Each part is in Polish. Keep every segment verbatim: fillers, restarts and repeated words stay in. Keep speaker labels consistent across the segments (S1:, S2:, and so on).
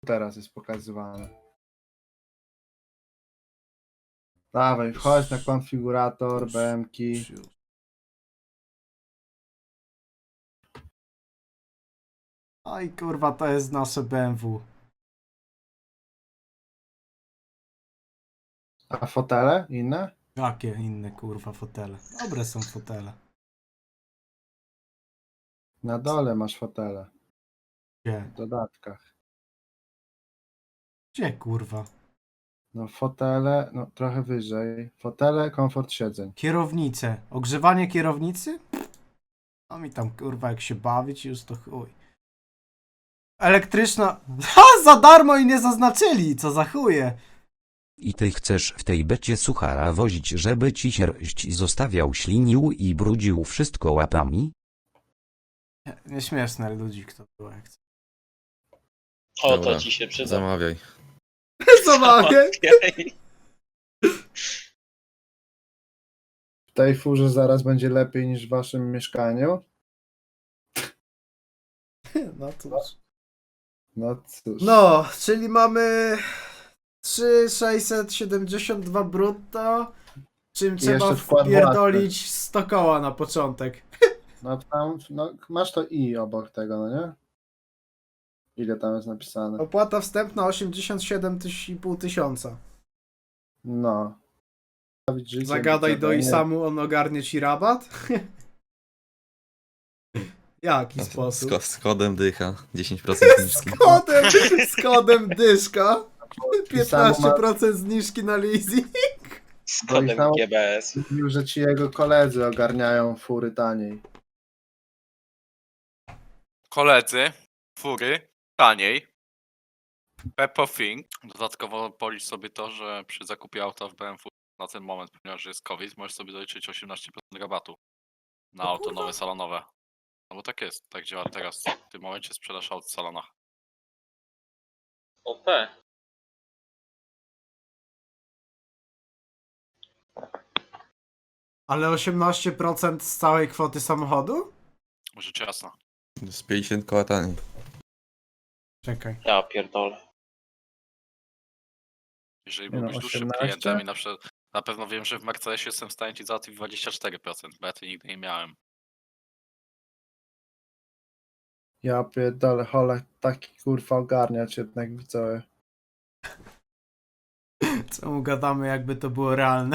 S1: teraz jest pokazywane. Dawaj, wchodź na konfigurator, B M ki.
S2: Oj kurwa, to jest nasze B M W.
S1: A fotele inne?
S2: Jakie inne kurwa fotele? Dobre są fotele.
S1: Na dole masz fotele.
S2: Gdzie?
S1: W dodatkach.
S2: Gdzie kurwa?
S1: No fotele, no trochę wyżej. Fotele, komfort siedzeń.
S2: Kierownice. Ogrzewanie kierownicy? No mi tam kurwa jak się bawić już to chuj. Elektryczna... Ha! Za darmo i nie zaznaczyli! Co za chuje!
S3: I ty chcesz w tej becie suchara wozić, żeby ci sierść zostawiał, ślinił i brudził wszystko łapami?
S2: Nieśmieszne ludzik to było jak chce.
S4: O,
S5: Dobra,
S4: to ci się przyda.
S5: Zamawiaj.
S2: Zamawiaj!
S1: W tej furze zaraz będzie lepiej niż w waszym mieszkaniu.
S2: No cóż.
S1: No cóż.
S2: No, czyli mamy trzy tysiące sześćset siedemdziesiąt dwa brutto, czym trzeba
S1: jeszcze wkład
S2: wpierdolić sto koła na początek.
S1: No tam, no masz to i obok tego, no nie? Ile tam jest napisane?
S2: Opłata wstępna osiemdziesiąt siedem i pół tysiąca.
S1: No. Życie,
S2: Zagadaj do
S1: nie-
S2: Isamu, on ogarnie ci rabat? Jaki
S5: Z,
S2: sposób?
S5: ko- z kodem dycha. dziesięć procent
S2: Z
S5: zniżki.
S2: kodem, z kodem dyszka. piętnaście
S1: Isamu
S2: procent zniżki na leasing.
S4: Z
S1: Bo i
S4: kodem
S1: tam-
S4: G B S.
S1: Mówił, że ci jego koledzy ogarniają fury taniej.
S6: Koledzy, fury, taniej. Peppo Thing. Dodatkowo policz sobie to, że przy zakupie auta w B M W na ten moment, ponieważ jest COVID, możesz sobie doliczyć osiemnaście procent rabatu na auto nowe salonowe. No bo tak jest, tak działa teraz. W tym momencie sprzedaż aut w salonach.
S4: O P.
S2: Ale osiemnaście procent z całej kwoty samochodu?
S6: Rzecz jasna.
S5: Z pięćdziesiąt koła taniej.
S2: Czekaj.
S4: Ja pierdolę.
S6: Jeżeli
S1: Nie no,
S6: byłbyś dłuższym
S1: osiemnaście?
S6: klientem i na przykład na pewno wiem, że w Mercedesie jestem w stanie ci załatwić dwadzieścia cztery procent, bo ja tej nigdy nie miałem.
S1: Ja pierdolę, Holek taki kurwa ogarniać jednak widzowie.
S2: Co mu gadamy, jakby to było realne?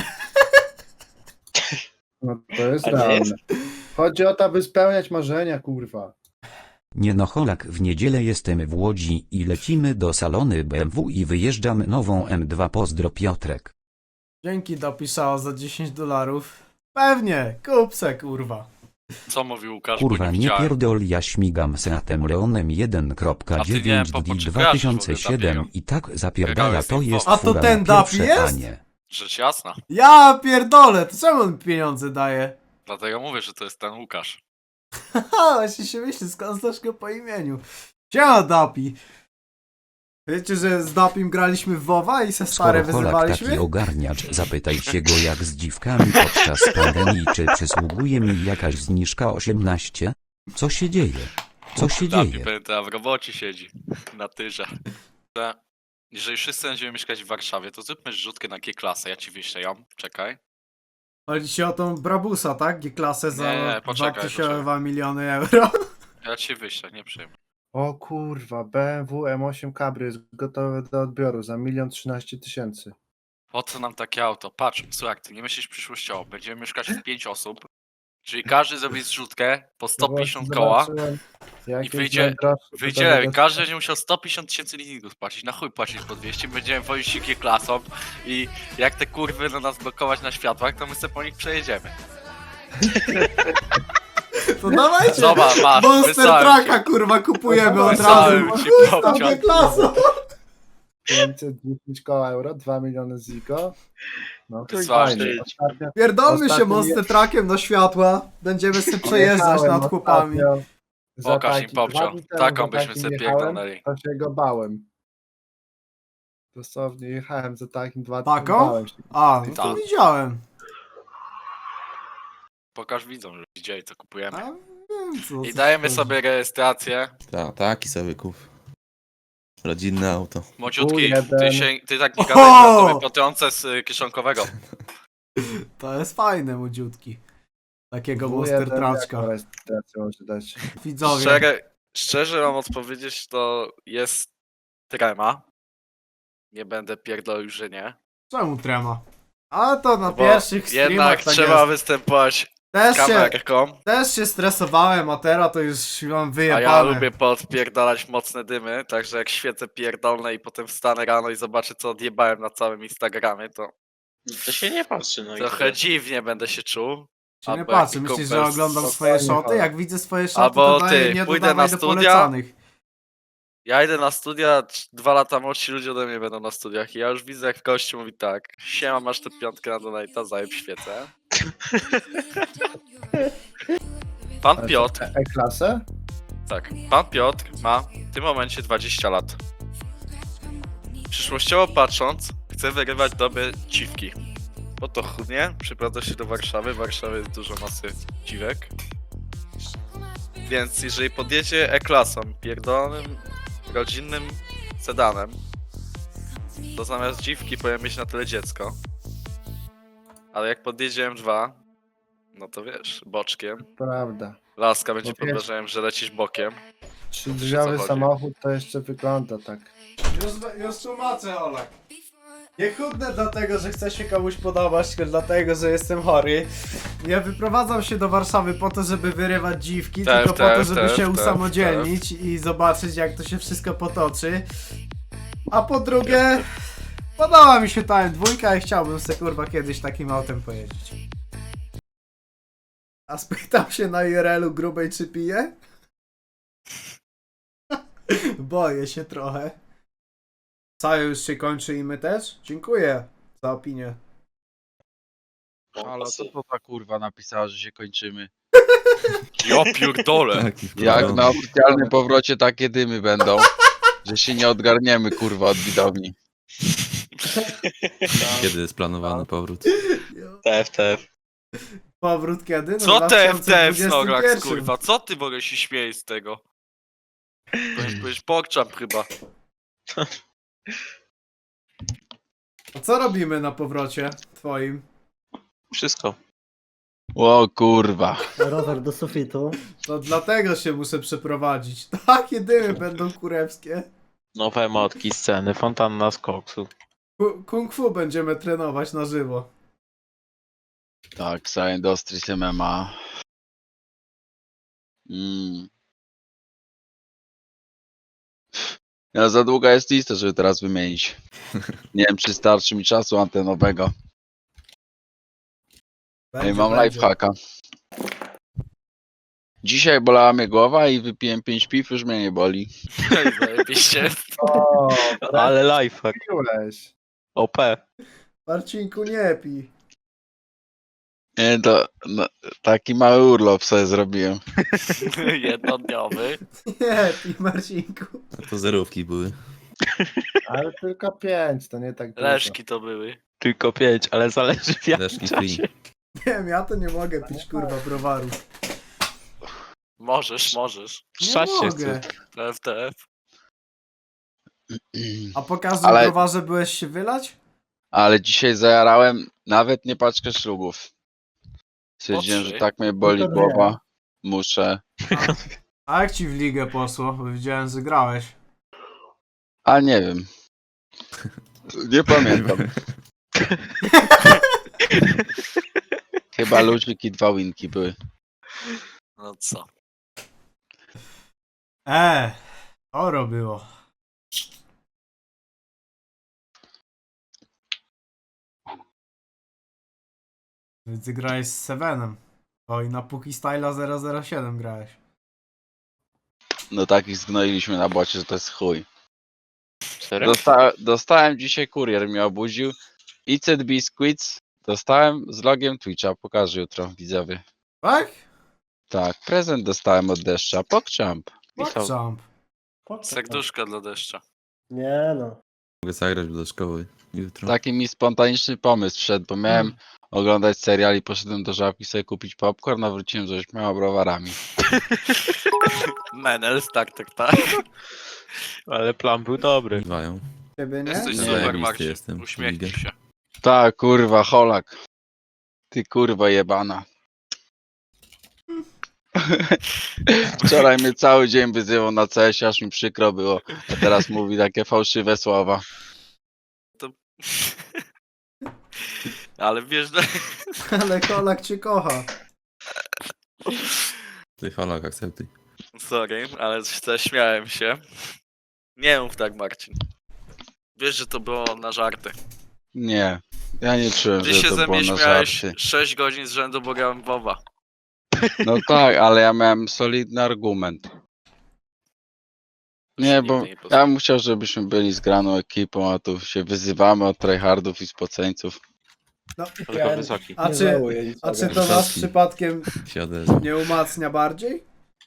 S1: No to jest
S4: A nie
S1: realne.
S4: jest?
S1: Chodzi o to, aby spełniać marzenia, kurwa.
S3: Nie no Holak, w niedzielę jestem w Łodzi i lecimy do salony B M W i wyjeżdżam nową M dwa. Pozdro Piotrek.
S2: Dzięki dopisało za dziesięć dolarów. Pewnie, kup se kurwa.
S6: Co mówił Łukasz, bo
S3: Kurwa
S6: nie
S3: nie
S6: widziałem.
S3: pierdol, ja śmigam Seatem Leonem jeden
S6: A ty nie wiem,
S3: dziewięć
S6: po- po
S3: D
S6: czym
S3: dwa tysiące
S6: kojarzysz w ogóle
S3: siedem
S6: Dabiego?
S3: i tak zapierdala,
S6: Biegałeś
S3: to
S6: z nim
S3: jest
S6: po-
S2: A to
S3: fura
S2: ten
S3: na
S2: Dabi
S3: pierwsze
S2: jest?
S3: panie.
S6: Rzecz jasna.
S2: Ja pierdolę, to czemu on pieniądze daje?
S6: Dlatego mówię, że to jest ten Łukasz.
S2: Haha, właśnie się myśli, skąd znasz go po imieniu. Siema Dapi. Wiecie, że z Dapim graliśmy w WoWa i se stare
S3: Skoro Holak
S2: wyzywaliśmy?
S3: taki ogarniacz, zapytaj się go jak z dziwkami podczas pandemii, czy przysługuje mi jakaś zniżka osiemnaście? Co się dzieje? Co się
S6: Dabi
S3: dzieje?
S6: pamiętam, w robocie siedzi. Na tyrze. Że jeżeli wszyscy będziemy mieszkać w Warszawie, to zróbmy zrzutkę na G-klasę. Ja ci wyślę ją. Czekaj.
S2: Chodzi ci o tą Brabusa, tak? G-klasę za
S6: Nie, nie, poczekaj,
S2: dwa miliony euro.
S6: Ja ci wyślę, nie przejmuj.
S1: O kurwa, B M W M osiem Cabrio jest gotowe do odbioru za milion trzynaście tysięcy.
S6: Po co nam takie auto? Patrz, słuchaj, ty nie myślisz przyszłościowo. Będziemy mieszkać w pięć osób. Czyli każdy zrobi zrzutkę po sto pięćdziesiąt koła.
S1: I
S6: wyjdzie- Wyjdzie, każdy będzie musiał sto pięćdziesiąt tysięcy leasingów płacić. Na chuj płacić po dwieście. Będziemy wozić się G-klasą i jak te kurwy na nas blokować na światłach, to my sobie po nich przejedziemy.
S2: To dawajcie!
S6: Zobacz, masz,
S2: Monster
S6: wysłałem
S2: Trucka kurwa kupujemy od razu.
S6: Wysłałem ci
S2: Tam
S6: popciąg.
S2: G-klasą.
S1: pięćset dziesięć koła euro, dwa miliony ziko. No to
S6: Wysłałem
S1: fajnie.
S4: ci.
S1: Ostatnio,
S2: Pierdolmy się
S1: Ostatnio
S2: Monster
S1: je-
S2: Truckiem do światła. Będziemy sobie przejeżdżać
S1: jechałem
S2: nad chłopami.
S1: ostatnio za
S6: Pokaż im
S1: taki-
S6: popcio.
S1: dwa dni temu
S6: Taką
S1: za
S6: byśmy
S1: takim
S6: sobie
S1: jechałem,
S6: pierdolnęli.
S1: To się go bałem. Dosłownie jechałem za takim dwa dni
S2: Taką?
S1: bałem się.
S2: A, no to
S6: Tak.
S2: widziałem.
S6: Pokaż widzom, że widzieli co kupujemy.
S2: A, wiem, co,
S6: I
S2: co
S6: dajemy
S2: to-
S6: sobie rejestrację.
S5: Ta, taki sobie kup. Rodzinne auto.
S6: Młodziutki,
S1: jeden.
S6: ty, się, ty tak nie gadaj, że ja tobie potrącę z y, kieszonkowego.
S2: To jest fajne, młodziutki. Takiego
S1: W
S2: monster
S1: jeden
S2: traczka.
S1: jaką rejestrację może dać?
S2: Widzowie.
S6: Szczerze, szczerze mam odpowiedzieć, to jest trema. Nie będę pierdolił, że nie.
S2: Czemu trema? A to na
S6: Bo
S2: pierwszych
S6: jednak
S2: streamach tak
S6: trzeba
S2: jest.
S6: występować
S2: Też się,
S6: kamerką,
S2: też się stresowałem, a teraz to już mam
S6: a
S2: wyjebane.
S6: ja lubię podpierdalać mocne dymy, także jak świecę pierdolne i potem wstanę rano i zobaczę co odjebałem na całym Instagramie, to
S4: To się nie patrzy, no i
S6: trochę
S4: tyle.
S6: dziwnie będę się czuł.
S2: Się nie
S6: Albo
S2: patrzę,
S6: jaki
S2: myślisz, że
S6: kumpel
S2: oglądam
S6: z-
S2: swoje
S1: spokojnie,
S2: szoty?
S1: ale-
S2: Jak widzę swoje szoty,
S6: Albo
S2: to daję
S6: ty,
S2: nie
S6: pójdę
S2: dodawaj
S6: na
S2: do
S6: studia,
S2: polecanych.
S6: Ja idę na studia, c- dwa lata młodsi ludzie ode mnie będą na studiach i ja już widzę jak gościu mówi tak: siema, masz tę piątkę na donate'a, zajeb świecę. Pan Piotr,
S1: E- E-klasę?
S6: tak, pan Piotr ma w tym momencie dwadzieścia lat. Przyszłościowo patrząc, chce wyrywać dobre ciwki. Po to chudnie, przyprowadza się do Warszawy, w Warszawie jest dużo masy ciwek. Więc jeżeli podjedzie E-klasą, pierdolonym, rodzinnym sedanem, to zamiast dziwki powinien mieć na tyle dziecko. Ale jak podjedzie M dwa, no to wiesz, boczkiem.
S1: Prawda.
S6: Laska będzie
S1: No
S6: pod
S1: wiesz-
S6: wrażeniem, że lecisz bokiem.
S1: Trzydrzwiowy
S6: chodzi.
S1: samochód to jeszcze wygląda tak.
S2: Już, już tłumaczę, Olek. Nie chudnę dlatego, że chcę się komuś podobać, tylko dlatego, że jestem chory. Ja wyprowadzam się do Warszawy po to, żeby wyrywać dziwki,
S6: Tef,
S2: tylko po to,
S6: tef,
S2: żeby
S6: tef,
S2: się
S6: tef,
S2: usamodzielnić i zobaczyć, jak to się wszystko potoczy. A po drugie, podoba mi się ta M dwa i chciałbym se kurwa kiedyś takim autem pojeździć. A spytam się na I R L-u grubej czy pije? Boję się trochę. Całe już się kończy i my też? Dziękuję za opinię.
S7: Ale co to ta kurwa napisała, że się kończymy?
S6: Ja pierdolę!
S5: Taki
S7: Jak
S5: wkładam.
S7: na oficjalnym powrocie takie dymy będą, że się nie odgarniemy kurwa od widowni.
S5: Kiedy jest planowany powrót?
S4: T F T F.
S2: Powrót kiedy? No
S6: Co
S2: w
S6: te F T F
S2: dwudziestym
S6: Snorlax,
S2: pierwszym.
S6: kurwa? Co ty w ogóle się śmiejesz z tego? Powinieneś powiedzieć pokczam chyba.
S2: A co robimy na powrocie twoim?
S4: Wszystko.
S7: O kurwa.
S8: Rower do sufitu.
S2: To dlatego się muszę przeprowadzić. Takie dymy będą kurewskie.
S4: Nowe motki, sceny, fontanna z koksu.
S2: Ku- Kung fu będziemy trenować na żywo.
S7: Tak, Psy Industries M M A. Mm. Ja za długa jest lista, żeby teraz wymienić. Nie wiem, czy starczy mi czasu antenowego. Ej, mam
S2: będzie.
S7: lifehacka. Dzisiaj bolała mnie głowa i wypiłem pięć piw, już mnie nie boli.
S6: Zajebiście.
S1: O,
S4: Ale lifehack.
S1: trafiłeś.
S4: O P.
S2: Marcinku, nie pij.
S7: Nie, to no, taki mały urlop sobie zrobiłem.
S6: Jednodniowy.
S2: Nie pij, Marcinku.
S5: A to zerówki były.
S1: Ale tylko pięć, to nie tak dużo.
S6: Leszki to były.
S4: Tylko pięć, ale zależy w jakim
S5: Leszki
S4: czasie.
S5: free.
S2: Nie wiem, ja to nie mogę pić kurwa browaru.
S6: Możesz, możesz.
S2: Nie
S4: Szać się
S2: mogę.
S4: chce.
S6: T F T F.
S2: A po każdym
S7: Ale-
S2: browarze byłeś się wylać?
S7: Ale dzisiaj zajarałem nawet nie paczkę ślubów. Stwierdziłem,
S6: trzy.
S7: że tak mnie boli
S8: No to
S7: głowa. Muszę.
S2: A jak ci w ligę poszło? Bo widziałem, że grałeś.
S7: A nie wiem. Nie pamiętam. Chyba ludzik i dwa winki były.
S6: No co?
S2: Eee, oro było. Więc ty grałeś z Sevenem. O i na Puki Styla zero zero siedem grałeś.
S7: No takich zgnoiliśmy na bocie, że to jest chuj.
S4: Serio?
S7: Dosta dostałem dzisiaj, kurier mnie obudził. Icet Biscuits. Dostałem z logiem Twitcha. Pokażę jutro widzowie.
S2: Tak?
S7: Tak, prezent dostałem od deszcza. Pokchamp.
S4: Pisał.
S2: Jump.
S6: Serduszka dla deszcza.
S8: Nie no.
S5: Mogę zagrać do szkoły jutro.
S7: Taki mi spontaniczny pomysł wszedł, bo miałem oglądać serial i poszedłem do żabki sobie kupić popcorn, a wróciłem z ośmioma browarami.
S6: Menels, tak, tak, tak.
S4: Ale plan był dobry.
S5: Bywają.
S2: Ciebie nie?
S6: Jesteś
S5: Nie,
S6: super,
S5: zajebisty
S6: Marcin.
S5: jestem.
S6: Uśmiechnij
S5: Ligę.
S6: się.
S7: Tak, kurwa, Holak. Ty kurwa jebana. Wczoraj mnie cały dzień wyzywał na C S, aż mi przykro było. A teraz mówi takie fałszywe słowa.
S6: Ale wiesz, że...
S2: Ale Kolak cię kocha.
S5: Ty Holak, akceptuj.
S6: Sorry, ale zaśmiałem się. Nie mów tak, Marcin. Wiesz, że to było na żarty.
S7: Nie, ja nie czułem,
S6: Ty
S7: że
S6: się
S7: to
S6: ze
S7: było
S6: mnie
S7: na
S6: śmiałeś
S7: żarty.
S6: sześć godzin z rzędu, bo grałem w WoWa.
S7: No tak, ale ja miałem solidny argument. Nie, bo
S6: Nigdy nie poznałem.
S7: ja bym chciał, żebyśmy byli zgraną ekipą, a tu się wyzywamy od tryhardów i spoceńców.
S2: No,
S4: Tylko wysoki.
S2: a czy, a czy to was
S5: Wysoki.
S2: przypadkiem
S5: Się odezwał.
S2: nie umacnia bardziej?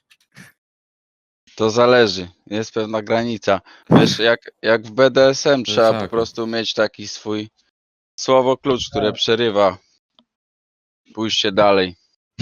S7: To zależy, jest pewna granica. Wiesz, jak, jak w B D S M trzeba po
S5: tak.
S7: prostu mieć taki swój słowo klucz, które przerywa pójście dalej.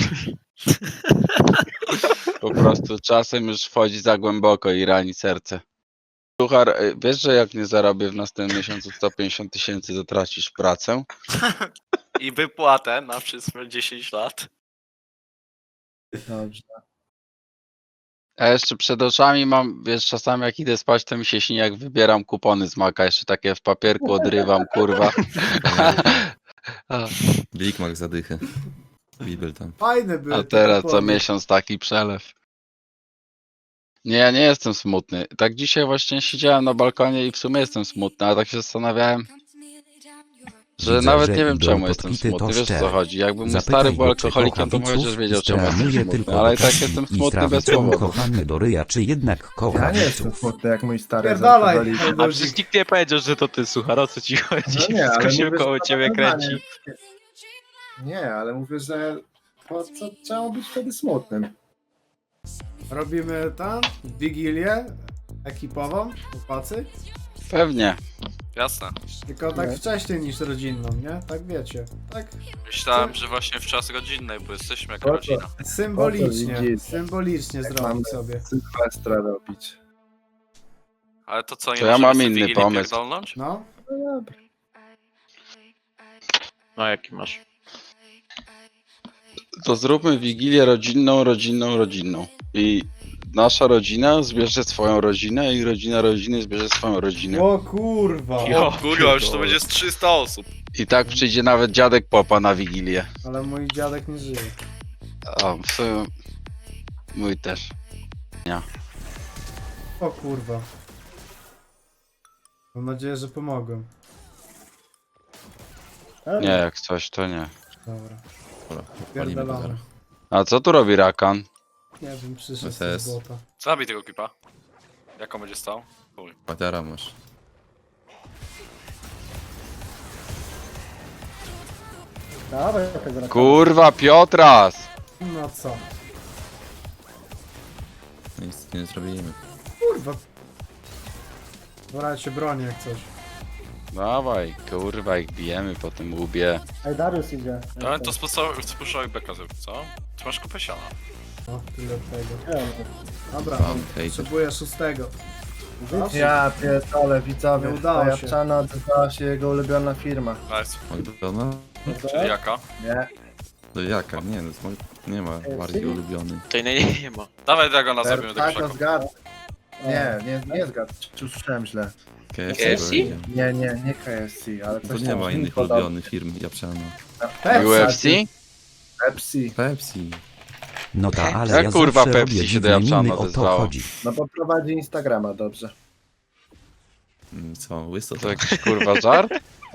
S7: Po prostu czasem już wchodzi za głęboko i rani serce. Suchar, y, wiesz, że jak nie zarobię w następnym miesiącu sto pięćdziesiąt tysięcy, to tracisz pracę?
S6: I wypłatę na przyszłe dziesięć lat.
S1: Dobrze.
S7: A jeszcze przed oczami mam, wiesz, czasami jak idę spać, to mi się śni, jak wybieram kupony z Maka, jeszcze takie w papierku odrywam, kurwa. A,
S5: Big Mac zadychę. Bibel tam.
S2: Fajne były
S7: a
S2: te
S7: teraz co
S2: kupony.
S7: miesiąc taki przelew. Nie, ja nie jestem smutny. Tak dzisiaj właśnie siedziałem na balkonie i w sumie jestem smutny, a tak się zastanawiałem, że
S3: Widzę,
S7: nawet
S3: że
S7: nie wiem
S3: idą
S7: czemu jestem
S3: podpity, to
S7: smutny, wiesz o co
S3: szczere.
S7: chodzi. Jakby mój
S3: Zapytaj
S7: stary był
S3: go, czy
S7: alkoholikiem, to
S3: kocha
S7: chociaż
S3: widzów,
S7: wiedział czemu jestem
S3: strenuje
S7: smutny,
S3: tylko
S7: ale i tak
S3: dopóki
S7: jestem
S3: i
S7: smutny bez
S3: trawicą
S7: powodu.
S3: kochany do ryja, czy jednak kocha
S1: Ja nie
S3: widzów?
S1: jestem smutny jak mój stary.
S2: Pierdalaj,
S1: alkoholik.
S4: A
S2: Eldozik.
S4: przecież nikt nie powiedział, że to ty, Suchar, o co ci chodzi?
S1: No nie, ale
S4: Wszystko się
S1: mówię,
S4: koło
S1: że to
S4: ciebie
S1: nawiązanie.
S4: kręci.
S1: Nie, ale mówię, że po co trzeba być wtedy smutnym?
S2: Robimy tam wigilię ekipową, chłopacy.
S7: Pewnie.
S6: Jasne.
S2: Tylko tak
S1: Nie.
S2: wcześniej niż rodzinną, nie? Tak wiecie. Tak
S6: Myślałem, że właśnie w czas rodzinnej, bo jesteśmy jako
S1: Po co?
S6: rodzina.
S2: symbolicznie,
S1: widzisz?
S2: symbolicznie
S1: Jak
S2: zrobić
S1: mamy
S2: sobie.
S1: Sylwestra robić.
S6: Ale to co, nie
S7: To ja
S6: możemy
S7: mam
S6: sobie
S7: inny
S6: Wigilię
S7: pomysł.
S6: pierdolnąć?
S2: No,
S1: No dobra.
S4: No jaki masz?
S7: To zróbmy wigilię rodzinną, rodzinną, rodzinną. I nasza rodzina zbierze swoją rodzinę i rodzina rodziny zbierze swoją rodzinę.
S2: o kurwa.
S6: O kurwa, już to będzie z trzysta osób.
S7: I tak przyjdzie nawet dziadek Popa na wigilię.
S2: Ale mój dziadek nie żyje.
S7: A, w sumie mój też.
S2: O kurwa. Mam nadzieję, że pomogłem.
S7: Nie, jak coś, to nie.
S2: Dobra,
S5: Dobra, palimy go
S2: pierdolamy.
S5: zaraz.
S7: A co tu robi Rakan?
S2: Nie wiem, przyszedł
S5: S S.
S2: z bota.
S6: Zabij tego klipa. Jaką będzie stał? Chuj.
S5: Patera masz.
S1: Dawaj, jakaś raka.
S7: Kurwa, Piotras!
S2: No co?
S5: Nic nie zrobimy.
S2: Kurwa. Dobra, ja się bronię jak coś.
S7: Dawaj, kurwa, ich bijemy po tym łbie.
S1: Ej, Darius idzie.
S6: Ale to spuszczałeś beka zrobił, co? Ty masz kupę siana.
S2: No, tyle od tego. Dobra,
S5: Mam hejter.
S2: potrzebuję szóstego.
S1: Ja pierdolę, widzowie.
S2: Nie udało
S1: To
S2: się.
S1: Japczana odzyskała się jego ulubiona firma.
S6: Nice.
S5: McDonald's?
S6: Czyli jaka?
S1: Nie.
S5: To jaka? Nie, no, to nie ma bardziej ulubiony.
S4: To nie, nie, nie ma.
S6: Dawaj Dragona zrobimy do
S1: Tak,
S6: krzaku.
S1: zgadł. Nie, nie, nie zgadł. Czy słyszałem źle?
S5: K F C?
S4: K F C?
S5: powiedziałem.
S1: Nie, nie, nie K F C, ale
S5: To
S1: coś
S5: nie
S1: tam
S5: ma
S1: brzmi
S5: innych
S1: podobnie.
S5: ulubionych firm Japczana.
S7: U F C?
S1: Pepsi.
S5: Pepsi.
S3: No ta, ale
S7: Jak
S3: ja
S7: kurwa
S3: zawsze
S7: Pepsi
S3: robię
S7: się do
S3: dziwne
S7: Japczana
S3: miny, o to
S7: odezwało?
S3: chodzi.
S1: No bo prowadzi Instagrama dobrze.
S5: Mm, Co, łyso
S7: To jakiś kurwa żart?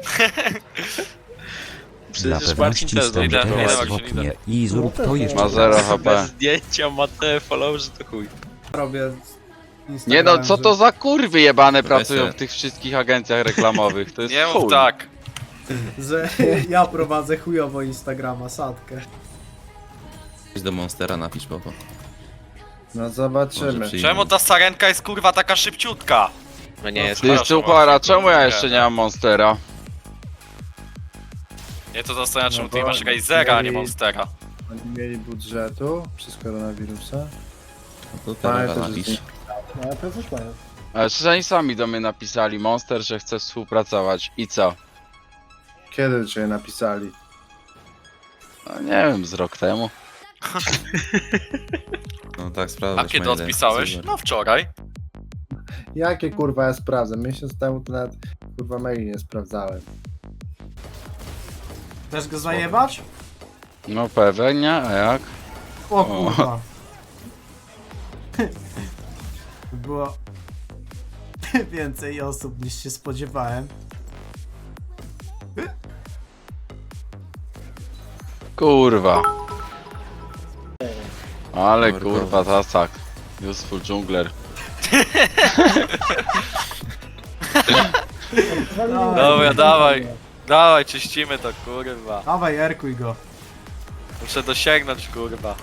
S3: Dla
S4: Przecież Marcin
S3: pewności
S4: też
S3: stąd
S6: idę,
S3: teraz
S6: idę,
S3: w
S6: idę.
S3: oknie i zrób to jeszcze
S7: Ma zero
S3: raz.
S7: H P.
S4: Bez zdjęcia ma te followerzy, to chuj.
S2: Robię z
S7: Nie
S2: Instagramem,
S7: no, co
S2: że-
S7: to za kurwy jebane
S5: Weź
S7: pracują
S5: se.
S7: w tych wszystkich agencjach reklamowych? To jest
S6: Nie mów
S7: chuj.
S6: tak.
S2: Że ja prowadzę chujowo Instagrama, sadkę.
S5: Idź do Monstera, napisz popo.
S1: No
S5: Może
S1: zobaczymy.
S5: przyjmie.
S6: Czemu ta sarenka jest kurwa taka szybciutka?
S4: No nie jest.
S7: Ty
S6: Przepraszam,
S7: Suchara,
S6: Marcin,
S7: czemu ja
S6: nie,
S7: jeszcze
S6: nie.
S7: nie mam Monstera?
S6: Nie to zastanawia, czemu
S1: No
S6: ty nie
S1: bo
S6: masz Razera, a nie
S1: mieli-
S6: Monstera.
S1: Oni mieli budżetu przez koronawirusa.
S5: No to
S1: Ale
S5: teraz
S1: też
S5: napisz.
S1: jest
S8: No ale to coś mają.
S7: Ale przecież oni sami do mnie napisali, Monster, że chce współpracować. I co?
S1: Kiedy cię napisali?
S7: No nie wiem, z rok temu.
S5: No tak, sprawdzę.
S6: A kiedy odpisałeś? No wczoraj.
S1: Jakie kurwa ja sprawdzę? Miesiąc temu to nawet kurwa maili nie sprawdzałem.
S2: Chcesz go zajebać?
S7: No pewnie, a jak?
S2: O kurwa. Było więcej osób niż się spodziewałem.
S7: Kurwa. Ale
S5: Dobra,
S7: kurwa,
S5: dobra.
S7: tasak. Useful jungler.
S2: No,
S6: Dobra, dawaj. Dawaj, czyścimy to, kurwa.
S2: Dawaj, erkuj go.
S6: Muszę dosięgnąć, kurwa.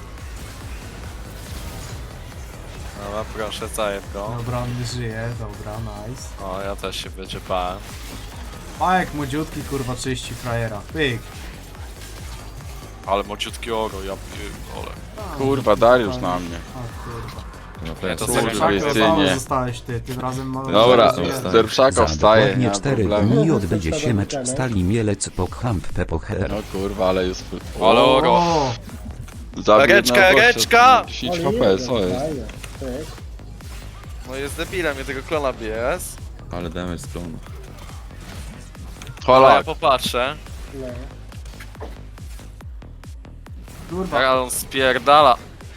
S6: Dobra, proszę, zajeb go.
S2: Dobra, on nie żyje, dobra, nice.
S6: O, ja też się wyczepałem.
S2: Pajek młodziutki, kurwa, czyści frajera. Pyk.
S6: Ale mociutki oro, ja pierdolę.
S7: Kurwa, Dariusz na mnie.
S2: O kurwa.
S5: No
S6: Nie, to
S5: pewnie.
S6: sobie
S7: Kurwa,
S6: szako
S7: jest
S2: Znowu
S7: nie.
S2: zostałeś ty, tym razem mamy...
S7: Dobra,
S5: Zostań.
S7: Zerpszako
S3: Za
S7: wstaje, nie
S3: dokładnie
S7: ma
S3: cztery
S7: problemu.
S3: dni odbędzie się mecz w Stali Mielec Pochamp Pepoher.
S7: No kurwa, ale useful.
S6: Ale oro.
S2: O,
S7: Zabił
S6: Reczka,
S7: na gościa,
S6: reczka!
S7: dziesięć H P, co jest?
S8: Fajnie. Pyk.
S6: No jest debilem, mnie tego klona B S.
S5: Ale damage z klonu.
S6: Ale ja
S7: Holak.
S6: popatrzę.
S8: No.
S2: kurwa.
S6: Jak on spierdala.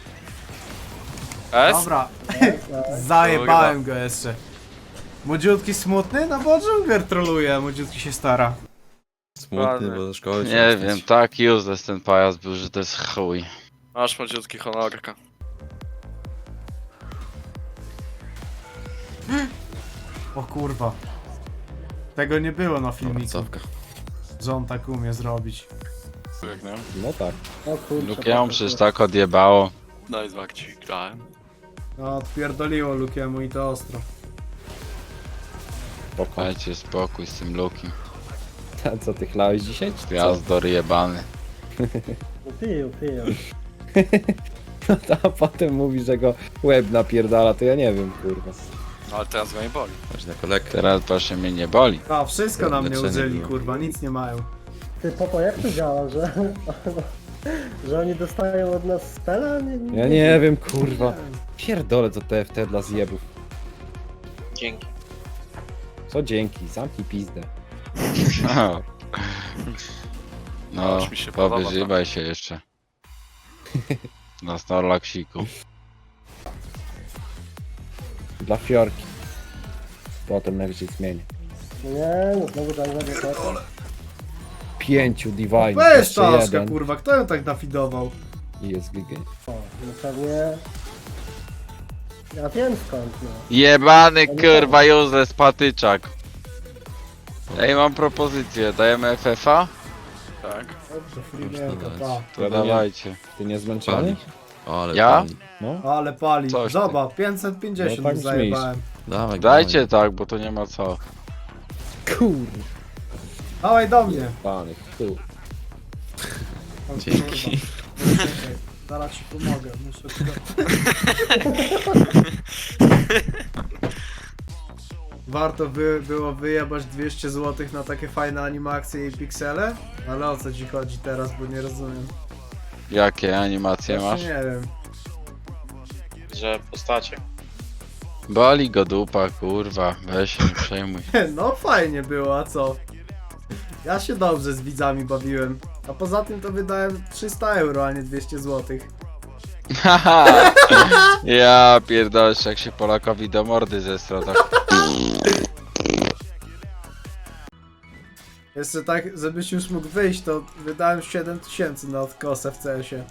S6: S?
S2: Dobra,
S8: Tak.
S2: zajebałem go jeszcze. Młodziutki smutny? No bo Dżungler troluje, a młodziutki się stara.
S5: Smutny,
S6: Ładny.
S5: bo do szkoły
S7: Nie wiem, tak useless ten pajac był, że to jest chuj.
S6: Masz młodziutki honorka.
S2: O kurwa. Tego nie było na filmiku,
S5: Cofka.
S2: że on tak umie zrobić.
S5: No tak.
S8: O kurczę.
S7: Lukiemu przecież tak odjebało.
S6: No i zmak ci grałem.
S2: No, odpierdoliło Lukiemu i to ostro.
S7: Dajcie spokój z tym Lukim.
S9: Co ty chlałeś dzisiaj? Czy co?
S7: Gwiazdor jebany.
S8: Pił, pił.
S9: No to a potem mówi, że go łeb napierdala, to ja nie wiem, kurwa.
S6: No ale teraz go nie boli.
S5: Patrz na kolek.
S7: Teraz proszę mnie nie boli.
S2: A, wszystko na mnie
S5: Leczenie
S2: użyli,
S5: było.
S2: kurwa, nic nie mają.
S8: Ty, Popo, jak to działa, że... że oni dostają od nas spela? Nie,
S9: Ja nie wiem, kurwa. Pierdolę to T F T dla zjebów.
S4: Dzięki.
S9: Co dzięki, zamknij pizdę.
S7: No,
S6: Aż mi się podoba to.
S7: powyżybaj się jeszcze. Na Snorlaxiku.
S9: Dla fiorki. Potem najwyżej zmienię.
S8: No nie, no znowu tak zagadać.
S9: Pięciu Divine,
S2: Weź
S9: jeszcze
S2: Taszka,
S9: jeden
S2: kurwa, kto ją tak nafidował?
S9: i jest G G.
S8: O, no pewnie... Ja wiem skąd, no.
S7: Jebany kurwa useless patyczak. Ej, mam propozycję, dajemy F F A?
S6: Tak.
S2: Dobrze,
S5: Można
S2: Freemanka,
S5: dać.
S2: pa.
S7: To dawajcie.
S9: Ty nie zmęczony?
S5: O, ale
S7: Ja?
S5: pali.
S9: No.
S2: Ale pali.
S7: Coś ty.
S2: Zobacz, pięćset pięćdziesiąt
S9: No tak
S2: mu zajebałem.
S5: Dawaj,
S7: Dajcie tak, bo to nie ma co.
S9: Kurwa.
S2: Dawaj do mnie.
S9: Pany, tu.
S2: O,
S5: Dzięki.
S2: kurwa. Czekaj, zaraz ci pomogę, muszę tylko... Warto by było wyjebać dwieście złotych na takie fajne animacje i piksele? Ale o co ci chodzi teraz, bo nie rozumiem.
S7: Jakie animacje masz?
S2: Właśnie nie wiem.
S4: Że postacie.
S7: Boli go dupa, kurwa. Weź się, nie przejmuj.
S2: No fajnie było, a co? Ja się dobrze z widzami bawiłem. A poza tym to wydałem trzysta euro, a nie dwieście złotych.
S7: Haha! Ja pierdolę, jak się Polakowi do mordy zestra tak.
S2: Jeszcze tak, żebyś już mógł wyjść, to wydałem siedem tysięcy na odkosę w C S-ie.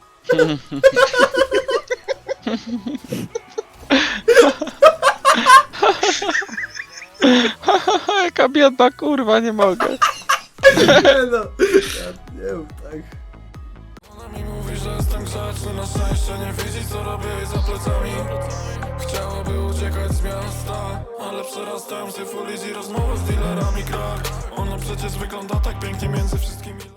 S7: Jaka biedna kurwa, nie mogę.
S2: Nie no, ja nie mów tak.
S10: Ona mi mówi, że jestem grzeczny, na szczęście nie widzi co robię jej za plecami. Chciałaby uciekać z miasta, ale przerastałem się full easy rozmowę z dealerami krak. Ona przecież wygląda tak pięknie między wszystkimi.